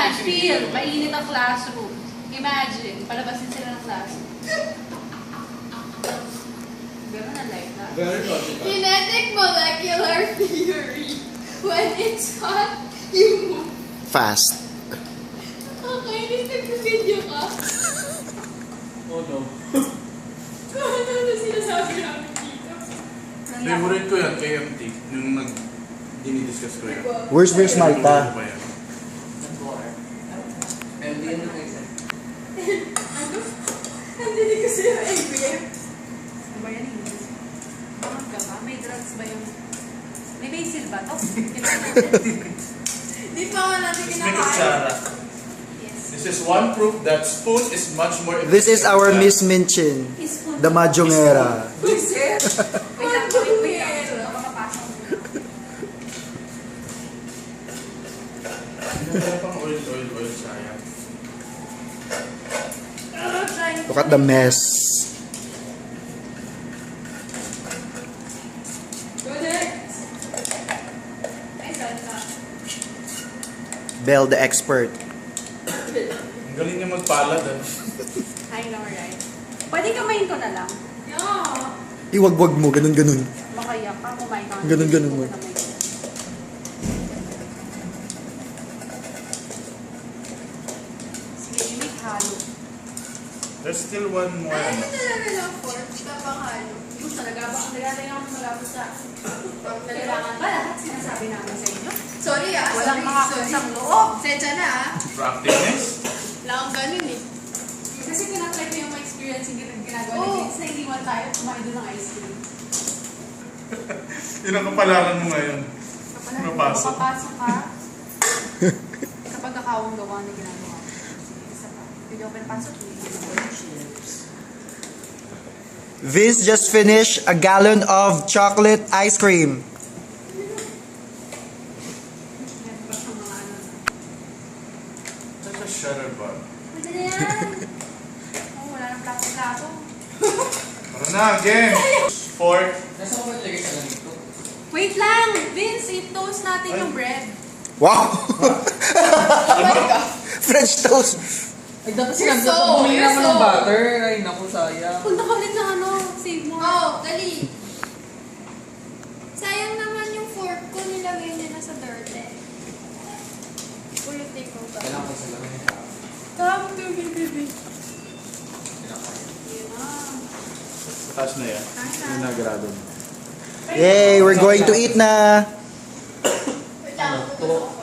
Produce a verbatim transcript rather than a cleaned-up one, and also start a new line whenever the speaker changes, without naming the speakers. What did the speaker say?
Imagine, feel, mainit ang classroom. Imagine, palabasin sila ng classroom. Gano'n ang life na.
Very logical.
Kinetic molecular theory. When it's hot, you move.
Fast.
Kakainis, nag-video ka.
Oh no.
Kung ano na sinasabi namin dito.
Favorite ko yan, K M T. Yung nag... dinidiscuss ko yan.
Where's Where's Malta?
Ano ba yan?
M D N na kayo.
Ano? Nandili kasi yung M B M.
Ano ba yan? Bakit ka ba? May drugs ba yung... May basil ba to? Kailangan natin.
Di pa nga natin
May
kinakain.
kutsara.
Yes.
This is one proof that spoon is much more
This is
efficient
our
than-
Miss Minchin,
Spoon.
the Majongera.
Wait lang, wait, wait lang.
Majongera.
Baka mapasok.
Wala pang oil, oil, oil, sayang.
Ah, trying
Look at the mess.
Go next.
Ay, saan ka?
Belle the expert.
Ang galing niya magpalad, ano?
I know, right? Pwede kamayin ko na lang.
Yeah.
Iwagwag mo, ganun ganun.
Makaya ka, kumain ka.
Ganun, ganun mo.
Sige, imik halo.
There's still one more.
Ayaw mo
ano.
talaga ng fork. Tapangalo.
Yung talaga ba? Ang naglalay ako malapit sa... Kailangan ba lahat sinasabi namin sa inyo?
Sorry ah.
Walang
sorry,
mga
sorry.
kusang loob.
Sensya na ah.
Practice.
Wala akong ganun eh.
Kasi tinatry ko yung mga experience yung gina- ginagawa
Oo.
ni Vince na iniwan tayo at kumain doon ng ice cream.
Yun ang kapalaran mo ngayon.
Kapag
Mapasok.
mapapasok ka, kapag akawang gawa na ginagawa. Sige, isa pa. Pwede open pasok.
Vince just finished a gallon of chocolate ice cream.
Meron pa siyang mga ano.
That's a shutter bug.
Pwede na yan! Oh, wala nang plato-plato.
Tara na, again! Fork.
Nasa ko ba ilagay sa lamig ko?
Wait lang! Vince, i-toast natin yung bread.
Wow!
Oh my God.
French toast.
Ay, dapat
You're
sinabi
so-
ko, bumili
you're
naman ng
so-
butter. Ay, naku, sayang.
Punta ka ulit ng ano, save more.
Oh, dali. Sayang naman yung fork ko. Nilagay niya na sa dirty. Ulitin ko ba?
Kailangan ko sa lamig.
Come to me, baby.
Yun na.
Sa taas na yan. Vinagrado mo.
Yay, we're going to eat na.
Wait lang.
Ano to?